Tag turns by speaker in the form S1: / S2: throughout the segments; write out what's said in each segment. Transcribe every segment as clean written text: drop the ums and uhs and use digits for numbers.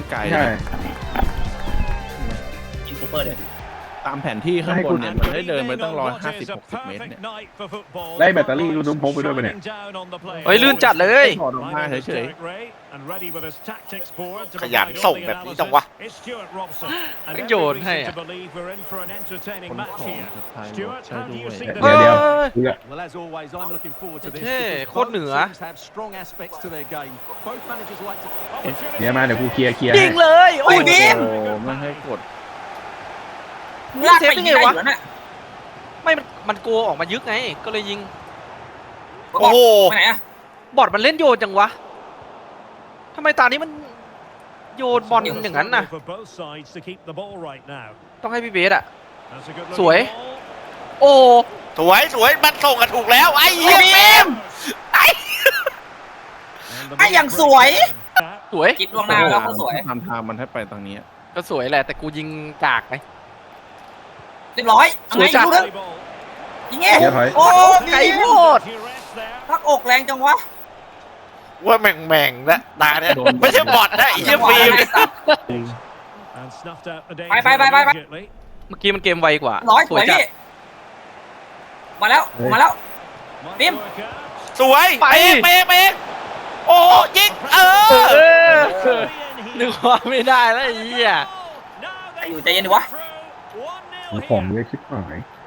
S1: ไกล
S2: ใช่
S3: ยิงซูเปอร์เลย
S1: ตามแผนที่ข้างบนเนี่ยมันได้เดินไปตั้ง150-60 เมตรเนี่ย
S2: ได้แบตเตอรี่ลูกน้ำพกไปด้วยปะเนี่ย
S4: เฮ้ยลื่นจัดเลย
S1: ถอดออกมาเฉย
S5: ขยันส่งแบบนี้จังวะ
S4: โยนให้อะ
S1: ๆคนของสะพายรถใช่ด้วย
S2: เดี๋ยวดูละ
S6: Well, as always, I'm looking forward to this.
S4: เท่
S6: because
S4: โคตรเหนือ
S6: both teams have strong aspects to their game. Both managers like to.
S2: เดี๋ยวมาเดี๋ยวกูเคลียร์
S4: ยิ
S2: ให้
S4: งเลยโอ้ย
S1: โอ้โหไม่ให้กด
S3: ลากไปยิงได้อยู่แล้วน่ะ
S4: ไม่มันโกออกมายึกไงก็เลยยิง
S5: โอ้โห
S3: ไปไหนอะ
S4: บอดมันเล่นโยนจังวะทำไมตานี้มันโยนบอลอย่างนั้นน่ะ ต้องให้พี่เบสอะสวย โอ้
S5: สวยสวยมันส่งกันถูกแล้วไอ้เหี้ยเฟม
S3: ไอ้อย่างสวย
S4: สวย
S3: คิดล่วงหน้าแล้วก็สวย
S1: ทำทางมันให้ไปทางนี้
S4: ก็สวยแหละแต่กูยิงกากไง
S3: เรียบร้อยเอาไง
S4: สวยจัด
S3: ดูเรื่องยิงเงี้ย
S2: เดี๋ยวถอย
S3: โอ้
S4: ไก่โพด
S3: พักอกแรงจังวะ
S5: ว่าแม่งๆนะตาเนี่ยไม่ใช่บอทนะไอ้เหี้ยฟิล์ม
S3: ไป
S4: เมื่อกี้มันเกมไวกว่า
S3: ร้อยส
S4: ส
S3: ว
S4: วย ยจัด
S3: พี่มาแล้วมาแล้ว นิ่ม
S5: สวย
S4: ไป
S5: เป๊ะโอ้ยิง
S4: เออนึกว่าไม่ได้แล้วไอ้เหี้ย
S3: อยู่ใจเย็นดิวะ
S2: ของเยอะชิบหาย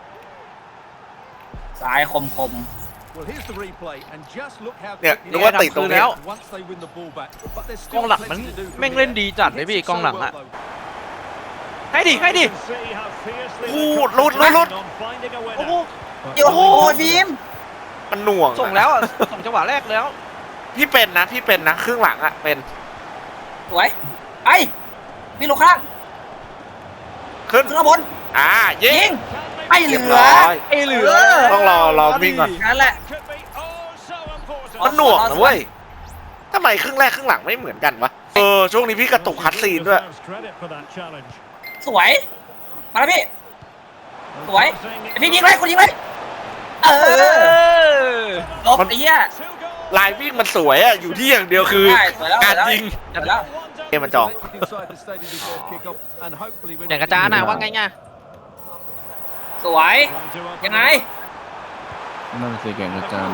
S3: สายคม
S6: Well, here's the replay, and just look how
S5: เนี่ย
S6: quickly
S5: นึกว่าติดตรง
S4: แล้
S5: นี้
S4: ว
S6: once they win the ball back. But there's
S4: กอง
S6: still
S4: หลังมัน
S6: plenty to do from
S4: แม่งเล่น
S6: here.
S4: ดีจัดเลยพี่
S6: Hits
S4: กองหลัง
S6: so
S4: อะ
S6: well, though.
S4: ให้ดิ
S5: พูดลุด
S4: โอ้โห
S3: ๆโอ้โหฟิล์ม
S5: มันหน่วง
S4: ส่งแล้วอะส่งจังหวะแรกแล้ว
S5: พี่เป็นนะครึ่งหลังอะเป็น
S3: สวยไอ้มีลูกข้าง
S5: ขึ้น
S3: ขึ้นข้างบน
S5: ยิ
S3: ยิ
S5: ง
S3: งไอ้เห
S5: เรียบ
S3: ลือ
S5: ร้อย
S4: ไอ้เหลือ
S5: ต้องรอวิ่งก่อน
S3: นั่นแหละ
S5: มันหน่วงนะเว้ยทำไมครึ่งแรกครึ่งหลังไม่เหมือนกันวะช่วงนี้พี่กระตุกคัดซีนด้วย
S3: สวยมาแล้วพี่สวยไอ้พี่ยิงเลยคนยิงเลยเอ
S4: เอ
S3: อ
S4: อ
S3: ลบไอ้เหี้ย
S5: ลายวิ่งมันสวยอะอยู่ที่อย่างเดียวคือ
S3: ได้สวยแล้ว
S5: การยิง
S3: สวยแล้ว
S5: เกมมันจอง
S6: Collected inside the stadium before kick-off, and hopefully we're
S4: อย่างกระจานอะว่าไงไง
S3: สวยยังไง
S1: นั่นสิแก่งกระจาน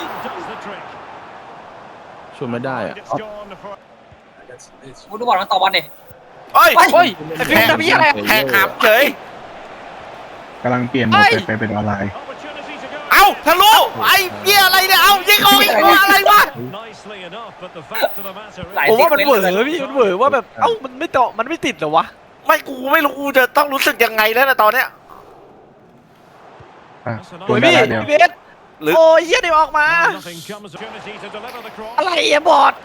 S1: ช่วยไม่ได้อะ
S3: กูดูบอลมันต่อบอลดิ
S5: เฮ้ย
S4: เฮ้ยไอ้ฟิวทำพี่อะไร
S5: แหกหามเฉย
S2: กำลังเปลี่ยนโหมดไปเป็นออนไลน์
S5: เอ้าทะลุไอ้เบี้ยอะไรเนี่ย เอ้ายิงออกอีกตัวอะไรวะ
S3: หลาย
S4: ผมว่ามัน
S3: ซี
S4: เหว
S3: เค
S4: อ
S3: ส์
S4: พี่มันเหวอว่าแบบเอ้ามันไม่ต่อมันไม่ติดเหรอวะ
S5: ไม่กูไม่รู้กูจะต้องรู้สึกยังไงแล้วนะตอนเนี้ย
S2: อ่ะ
S4: โอ้ย
S2: ได้
S4: พี่
S2: แล้วเดี๋ยว
S4: พี่เบส
S5: หรือ
S4: โอ้ยเหี้ยเดี๋ยวออกมา อะไรอะบอด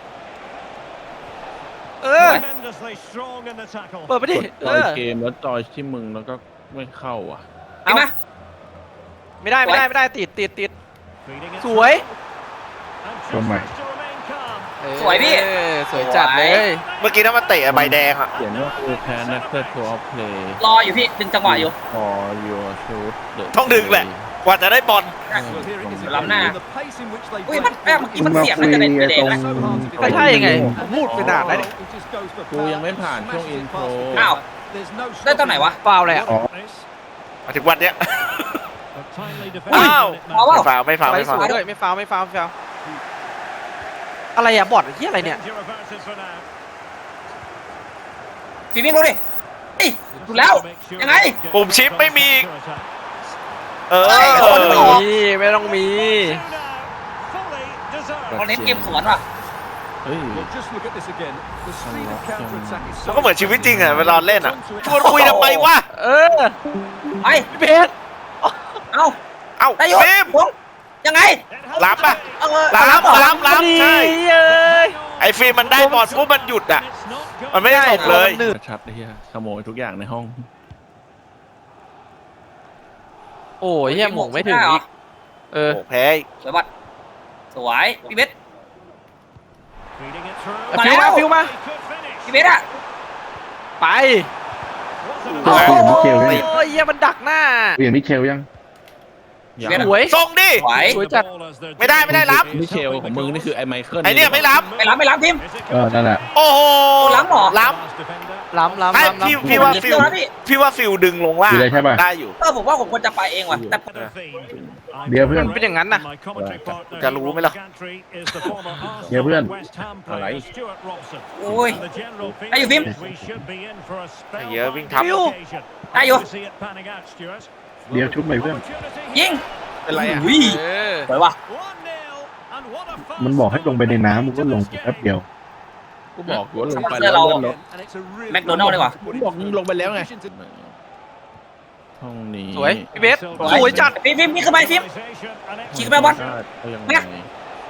S4: เออเปิดไปดิ
S1: กดจอยเกมแล้วจอยที่มึงแล้วก็ไม่เข้าอ่ะ
S3: เห็นไหม
S4: ไม่ได้ติดสวย
S2: ตัวใหม่
S3: สวยพี่
S4: เออสวยจัดเลย
S5: เมื่อกี้ถ้ามันเตะใบแดงอะ
S1: เขียนว่าคือแพ้นักเตะทัวร์เพลย์
S3: รออยู่พี่ดึงจังหวะอยู่
S1: พอยูชูด
S5: ต้องดึงแหละ กว่าจะได้บอล
S6: Well, here it is again.
S3: Lắm nè.
S6: The pace in which they
S3: อุ้ย
S6: break
S3: มันแอบเมื่อกี้มันเสียงน่าจะเป็นไปเด็กนะ
S4: ก็ใช่ไงพูดไปนานแล้ว
S6: It just goes for
S1: กูยังไม่ผ่านช่วงอินโทร
S3: อ้าว
S6: There's no
S3: ได้ตอนไหนวะ
S4: ฟาวเลยอะ
S2: อ๋อ
S5: มาถึงวันเนี้ย
S3: อ้าว เอาเปล่า
S5: ไม่ฟาว
S4: ไป
S5: ไม่
S4: ส
S5: ฟาว
S4: วยด้วยไม่ฟาวอะไรอะบอดเหี้ยอะไรเนี่ย
S3: ฟิล์มวิ่งดูดิเฮ้ยดูแล้วยังไง
S5: ปุ่มชิปไม่มี เออ
S3: เฮ้ย
S4: ไม่ต้องมีไม่ต้องมี
S3: ตอนนี้เกมสวนว่ะ
S1: เฮ้ย
S6: Well, just look at this again. The speed of counter-attack is
S5: มัน
S6: so
S5: ก็เหมือนชีวิตจริงอะเวลาเล่นอะชวนคุยทำไมวะ
S4: เออ
S3: ไป
S4: พี่เบส
S3: เอ้า
S5: เอ้า
S3: ได้ยศ
S5: ฟิล์ม
S3: ผมยังไง
S5: รับปะ
S3: เออ
S5: รับ
S3: เหรอ
S5: รับใช่
S4: เอ้ย
S5: ไอ้ฟิล์มมันได้บอลปุ๊บมันหยุดอะมันไม่ได้ส่งเลย
S1: ชัดไอ้เหี้ยขโมยทุกอย่างในห้อง
S4: โอ้ยเหี้ยหมงไม่ถึงอีกเออ
S5: โอ้แพ้
S3: สวยบัดสวยพี่เบส
S4: เอาฟิวมา
S3: พี่เบสอะ
S4: ไป
S2: เปลี่ยนมิเชลยัง
S4: โอ้ยเหี้ยมันดักหน้า
S2: เปลี่ยนมิเชลยัง
S1: ยัง
S3: เวียด
S4: สวย
S5: ส่งดิ
S3: สวย
S4: สวยจัด
S5: ไม่ได้รับ
S1: มิเชลของมึงนี่คือไอ้ไมเคิล
S5: ไอเนี่ยไม่รับ
S3: ไม่ล้ำพิมพ์
S2: นั่นแหละ
S5: โอ้โห
S3: ล้ำเหรอ
S5: ล้
S4: ล้ำ
S5: ำให้พี่ว่าฟิล
S3: นะพี่
S5: พี่ว่าฟิลดึงลงล่าง
S2: อยู่เลยใช่ป่ะ
S5: ได้อยู่
S3: ผมว่าผมควรจะไปเองว่ะแต่
S2: เดี๋ยวเพื่อน
S4: มันเป็นอย่างนั้นน่ะ
S5: จะรู้ไหมล่ะ
S2: เดี๋ยวเพื่อน
S1: อะไร
S3: โอ้ยได้อยู่พิมพ์
S5: ไอ้เหี้ยวิ่งทับ
S4: ฟิว
S3: ได้อยู่
S2: เดี๋ยวชุบไปเพื่อน
S3: ยิง
S1: เป็นไรอ่ะ
S3: อุ้ย
S4: เออ
S3: สวยว่ะ
S2: มันบอกให้ลงไปในน้ำมึงก็ลงแป๊บเดียว
S1: กูบอกกูว่าลงไปแล้วเลื่อนรถ
S3: แมคโดนัลด์ดีกว่า
S1: กูบอกมึงลงไปแล้วไงห้องนี้
S4: สวยพี่เบสสวยจัด
S3: พิมพ์นี่ขึ้นไปพิมพ์ ขี่ขึ้นไปบอล
S1: เอายัง
S3: เนี่
S1: ไง
S3: ย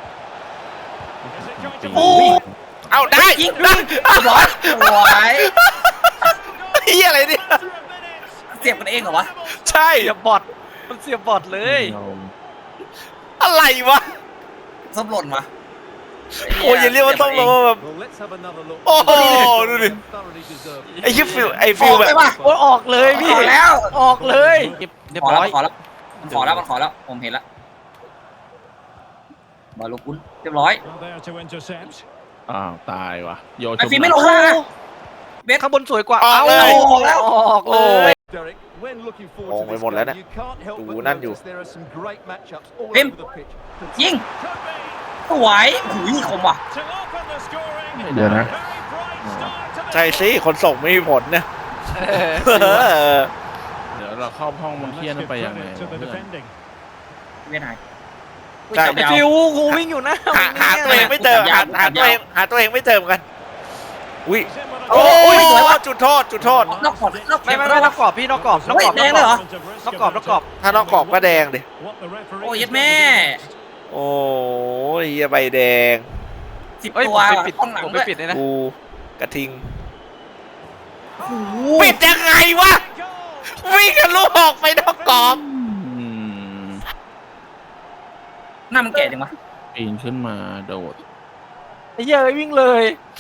S4: โอ้
S5: เอาได้
S3: ยิง
S5: ได้
S3: ร้อยสวย
S5: เหี้ยอะไรเนี่ย
S3: เสียบกันเองเหรอวะ
S5: ใช่
S4: เสียบบอทมันเสียบบอทเลย
S5: อะไรวะ
S3: ส้มหล่นมา
S5: โอ้ยอย่าเรียกว่าต้องลงแบบ
S6: Well, let's have another look.
S5: โอ้โหดูดิ
S6: Thoroughly deserved.
S5: ไอ้ฟิลไอ้
S3: อ
S5: ฟิล
S3: อก
S5: แบ
S3: เลย
S5: บ
S3: ว่ะ
S4: โอ้ยออกเลยพี่
S3: ออกแล้ว
S4: ออกเลยเรียบ
S3: ขอ
S4: ร้
S3: แล้ว
S4: อย
S3: ขอแล้วมันขอแล้วมันขอแล้วผมเห็นแล้วบอลลูกคุณเรียบร้อย
S1: อ้าวตายว่ะโยน
S3: ไอ้ฟิล์มไม่ลงข้างล่างนะ
S4: ข้างบนสวยกว่า
S5: ออกเลย
S3: ออกแล้ว
S4: ออกเลย
S6: Derek, when looking
S5: ม
S6: forward
S5: อง
S6: to
S5: ไป
S6: this
S5: หมดแล้ว
S6: game,
S5: เนี่ย
S6: you can't help
S5: ดู
S6: but
S5: นั่นอยู่
S6: notice there are some great matchups all
S3: Tim.
S6: over the pitch.
S3: ยิงสวยหูยคมว่ะ
S2: เดี๋ยวนะ
S5: ใช่สิคนส่งไม่มีผลเนี่ย
S1: เดี๋ยวเราเข้าห้องมันเทียนไปยังไงวะเพื่อน
S3: เวียดนาม
S5: ใช่
S4: ไอ้ฟิวกูวิ่งอยู่นะ
S5: หาตัวเองไม่เจอหาตัวเองไม่เจอเหมือนกันอุ้ย
S3: โอ้
S5: โอ้
S3: ย
S5: ย
S3: สวยว่ะ
S5: จุดโทษจุดโทษ
S3: นอกขอบนอก
S4: ไม่
S3: เข็ม
S4: ไม่นอกกรอบพี่นอกกรอบนอกกรอบ
S3: เฮ้ยแดงเลยเหรอ
S4: นอกกรอบนอกกรอบ
S5: ถ้านอกกรอบก็แดงดิ
S3: โอ้ยยัดแม่
S5: โอ้ยเหี้ยใบแดง
S3: 10
S4: เอ้ย
S3: ตั
S4: ผ
S3: ว
S4: มไปปิด
S3: ห้องหลัง
S4: ผม
S3: ด้
S4: ไป
S3: วย
S4: ปิดเลยนะ
S5: กูกระทิง
S3: โอ้โห
S5: ปิดยังไงวะวิ่งกันลูกออกไปนอกกรอบ
S1: อืม
S3: หน้ามันแก่จังวะ
S1: ปีนขึ้นมาโดด
S4: ไอ้เหี้ยเอ้ยวิ่งเลย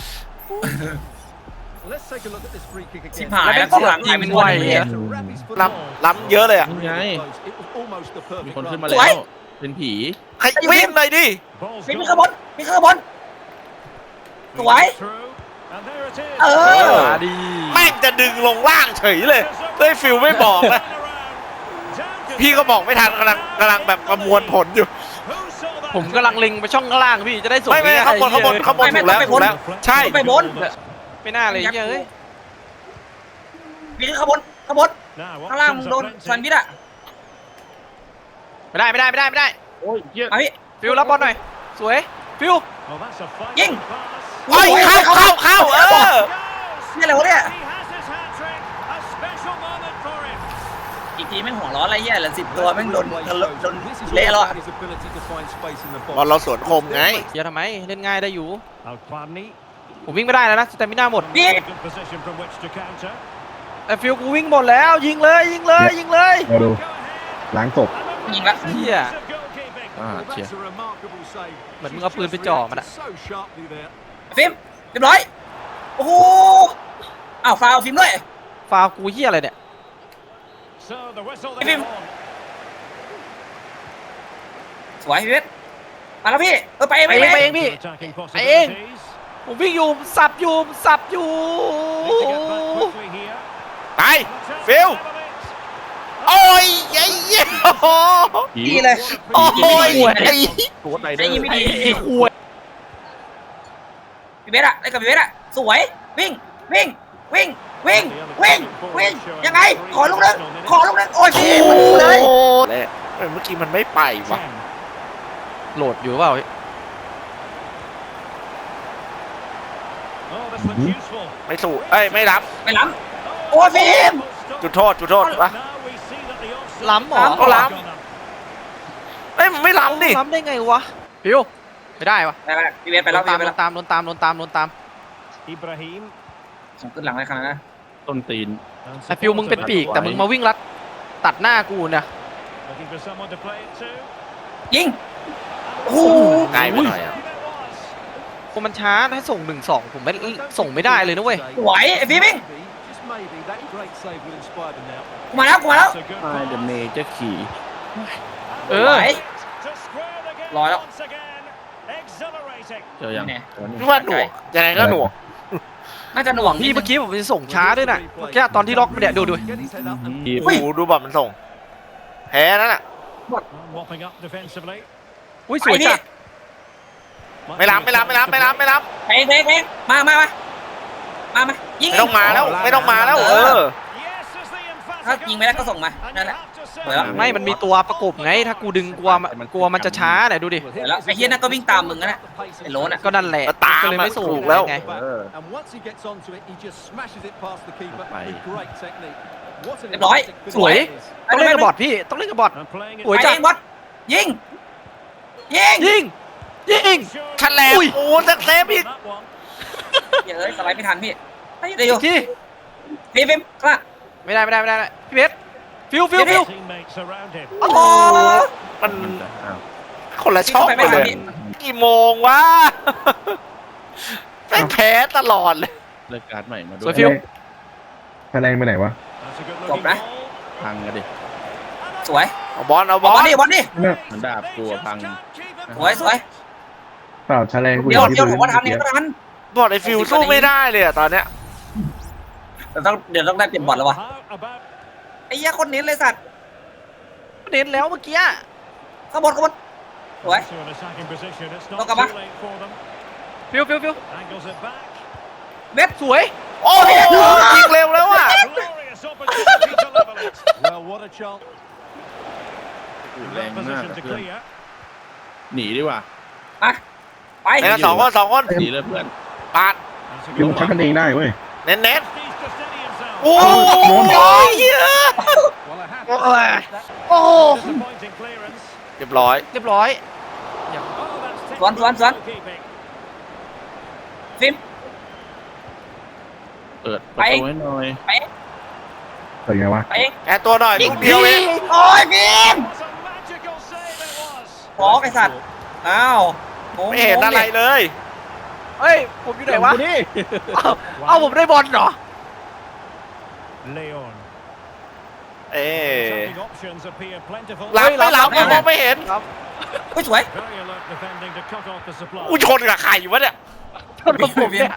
S6: Let's take a look at this free kick
S3: ชิบ
S6: again.
S3: หายแล้วกล้องหลังกลายเป็นวัน
S4: ยิงไว
S3: นี้
S4: อะ
S5: ล้ำเยอะเลยอ่ะ
S1: ไง
S6: It was almost the
S1: มี
S6: perfect
S1: คนขึ้น
S6: run.
S1: มา
S3: ส
S1: แล้ว
S3: วย
S1: เป็นผี
S5: ใครวิ่งหน่อยดิ
S3: ฟิล์มมีข้างบนมีข้างบนสวยเออ
S4: มาดี
S5: แม่งจะดึงลงล่างเฉยเลยเลยฟิลไม่บอกนะพี่ก็บอกไม่ทันกำลังแบบประมวลผลอยู่
S4: ผมกำลังเล็งไปช่องข้างล่างพี่จะได้ส่ง
S5: ไม่
S4: ง่ายๆ
S5: ข้างบนถูกแล้วใช่
S3: ไปบน
S4: ไม่น่าเลยไอ้เหี้ยเอ้ย
S3: มีข้างบนข้างบนข้างล่างมึงโดนแซนด์วิชอะ
S4: ไม่ได้
S1: โอ้ยเหี้ย
S3: มาพี่
S4: ฟิวรับบอลหน่อยสวยฟิว
S3: ยิง
S5: โอ้ยเข้าเออ
S3: นี่อะไรวะเนี่ยอีกทีแม่งหัวร้อนอะไรเงี้ยเหลือ10 ตัวแม่งโดน
S6: This is
S3: เละแล้ว
S6: all
S3: อะ
S6: about his ability to find space in the
S5: บอล
S6: box.
S5: เราสวนคมไง
S4: เดี๋ยวทำไมเล่นง่ายได้อยู่ผมวิ่งไม่ได้แล้วนะแต่ไม่น่าหมด
S3: พี่
S4: แต่ฟิวกูวิ่งหมดแล้วยิงเลย
S2: มาดูล้างศพ
S3: ยิงละ
S4: เหี้ย
S1: อ่า
S6: Well,
S1: เชีย
S6: that's a remarkable save.
S4: เหมือนมึงเอาปืนไปจ่อมันอะ
S6: So sharply there.
S3: ฟิล์มเรียบร้อยโอ้โหอ้าวฟาวล์ฟิล์มด้วย
S4: ฟาวกูเหี้ยอะไรเนี่ย
S3: ฟิล์มสวยพี่เวทมาแล้วพี่ไปเอง
S4: ไปเองพี่ไปเองผมวิ่งอยู่สับอยู่
S5: ไปฟิลโอ้ยไอ้เหี้ยโอ้โห
S3: ดีเลย
S5: โอ้ยไอ้
S1: โคตรไรเด
S3: ได้
S1: อ
S3: ยิน
S1: ร์
S3: ไม่ดี
S4: ไอ้ขวย
S3: พี่เวทอะได้กับพี่เวทอะสวยวิ่งยังไงขอลูกนึงโอ้ยพี่มันดูเลย
S5: โอ้ยเมื่อกี้มันไม่ไปว่ะ
S4: โหลดอยู่เปล่า
S5: ไม่สู้เอ้ยไม่รับ
S3: ไม่ล้ำโอ้ยฟิล์ม
S5: จุดโทษวะ
S4: ล้ำเหรอ
S5: ก็ล้ำเอ้ยมันไม่ล้ำดิ
S4: ล้ำได้ไงวะฟิวไม่ได้วะ
S3: ไปพี่เวทไปแล้ว
S4: โดนตาม
S3: ส่งขึ้นหลังเลยขนาดนั้น
S1: ต้นตีน
S4: ไอ้ฟิวมึงเป็นปีกแต่มึงมาวิ่งรัดตัดหน้ากูเนี่ย
S3: ยิงโอ้โห
S5: ไกลไปหน่อยอ่ะ
S4: กูมันช้าให้ส่ง1-2ผมไม่ส่งไม่ได้เลยนะเว้ย
S3: สวยไอ้ฟิล์มวิ่ง
S6: Just maybe that great save will inspire them now.
S3: กูมาแล้ว
S1: ไอเดอะเมเจอร์ขี่
S4: เอ
S3: ส
S4: อ
S3: วย ร้อยแล้ว
S1: เจอยัง
S3: เนี่ย
S5: พี่ว่าหน่วงยังไงก็หน่วง
S3: น่าจะหน่วง
S4: พี่เมื่อกี้ผมจะส่งช้าด้วยน่ะเมื่อกี้ตอนที่ล็อกเนี่ยดู
S6: Get his head up and
S1: ทีม
S3: อุ้ย
S5: ดูบอลมันส่งแพ้นั่นแหละ
S4: อุ้ยสวยจัด
S5: ไม่รับไม่รับไม่รับไม่รับไม่รับ
S3: เพลงมายิง
S5: ไม่ต้องมาแล้วไม่ต้องมาแล้วเออ
S3: ถ้ายิงไม่ได้ก็ส่งมานั่นแหละสวยแล้ว
S4: ไม่มันมีตัวประกบไงถ้ากูดึงกลัวมันจะช้าเนี่ยดูดิ
S3: สวยแล้วไอ้เฮียนั่นก็วิ่งตามมึงนะไอ้โลนอ่ะ
S4: ก็นั่นแหละ
S5: ก็ตาม
S4: ก็เลยไม่ส่ง
S5: ถูกแล้ว
S4: ไง
S1: เออ
S6: and once he gets onto it, he just smashes it past the keeper with great technique. What an
S3: เรียบร้อย
S6: emphatic
S4: สวย
S6: finish.
S4: ต้องเล่นกับบอทพี่ต้องเล่นกับบอท โอ้ย
S3: ไป
S4: จัด
S3: เองบอสยิง
S4: ยิงยิง
S5: ฉลบ
S4: อุ้ย
S5: โอ้สักเซฟอีก
S3: เฮ้ยสไลด์ไม่ทันพี่ไอ้เดี๋ยวอยู่
S4: ที่
S3: ฟิล์มกล้า
S4: ไม่ได้พี่เพชรฟิว
S3: โอ้โห
S5: มัน
S1: มันจะอ้าว
S5: คนละช่อง
S3: ไป
S5: กั
S3: ไม่
S5: น
S3: ทั
S5: เล
S3: น
S5: ย
S3: พี่
S5: กี่โมงวะแพ้ตลอดเลย
S1: เลิกการ์ดใหม่มาด้
S4: ส
S1: ว
S4: วย ยฟิว
S2: แถลงไปไหนวะ
S3: จบนะ
S1: พังกันดิ
S3: สวย
S5: เอาบอลเอา
S3: บบ อ
S5: อ
S3: ล
S5: ล
S3: ดิบอลดิ
S2: เนี่ย
S1: มันดาบกลัวพัง
S3: สวย
S2: เปล่าแถลงกู
S3: เดี๋ยว
S2: ที่
S3: ผมว่าทัน
S2: เมื่
S3: เนี่
S2: อย กี้
S3: ก็ทัน
S5: บอลไอฟิวสู้ไม่ได้เลยอะตอนเนี้ย
S3: เดี๋ยวต้องได้เปลี่ยนบอลแล้ววะไอ้เหี้ยคนเน้นเลยสัตว์
S4: เน้นแล้วเมื่อกี้
S3: ข้างบนสวย ต้องกลับมา
S4: ฟิว
S3: เว็บ
S4: สวย
S5: โอ้โหยิงเร็วแล้วอะ
S6: Well, what a chance.
S1: แรงมากอะเพื่อนหนีดีกว่า
S3: ไป
S5: ไอ้นั่นสองคน
S1: หนีเลยเพื่อน
S5: ปาด
S2: ยิงชักกันเองได้เว้ย
S5: เน้นโอ้ยเหี้ย
S6: Well, I have
S4: โอ้ย
S6: that.
S4: โอ้
S5: เรียบร้อย
S4: เรียบร้อย
S3: สวนฟิล์ม
S1: เปิดประตูให้หน่อย
S2: เปิดไงวะ
S3: ไปเอง
S5: แกตัวหน่อยลูกเดียวเอง
S3: โอ้ยฟิล์มขอไอ้สัตว์อ้าวงง
S5: ไม่เห็นอะไรเลย
S4: เฮ้ยผมอยู่ไหนวะ
S1: นี่
S4: เอาผมได้บอลเหรอ
S5: เอ๊ะ
S6: ห
S5: รับไม่รับมองไม่เห็น
S3: เฮ้ยสวย
S5: กูชนกับใครวะเนี่ย
S4: โทษผมเนี่ย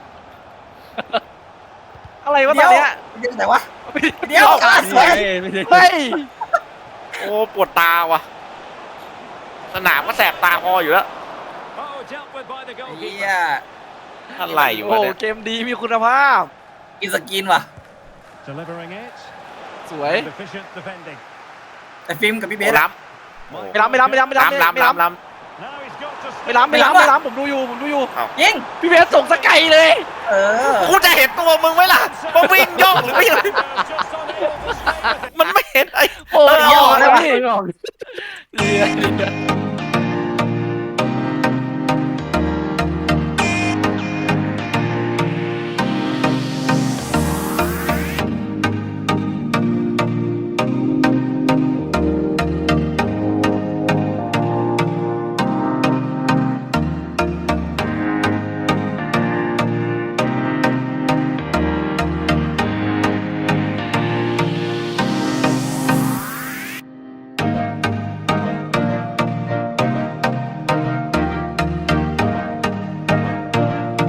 S4: อะไรวะตอนเนี้ย
S3: เดี๋ยวไหนวะเดี๋ยวสวย
S1: ไม่ใช่
S4: เฮ้ย
S5: โอ้ปวดตาว่ะสนามก็แสบตาพออยู่แล้ว
S3: เฮีย
S5: อะไรอยู่
S4: โอ้
S5: วะเนี่ย
S4: เกมดีมีคุณภาพ
S3: กินสกินว่ะ
S4: สวย
S3: แต่ฟิล์มกับพี่เบส
S5: ล้ำ
S4: ไม่ล้ำ
S5: ล้ำล้ำ
S4: ผมดูอยู่
S3: ยิง
S4: พี่เพชรส่งสกายเลย
S3: เออ
S5: กูจะเห็นตัวมึงไหมล่ะว่าวิ่งย่องหรือไม่มันไม่เห็นไอ้
S4: โอ้ย
S5: เออ
S4: ออก
S5: เอา
S4: แล้ว
S5: เอา
S4: พี่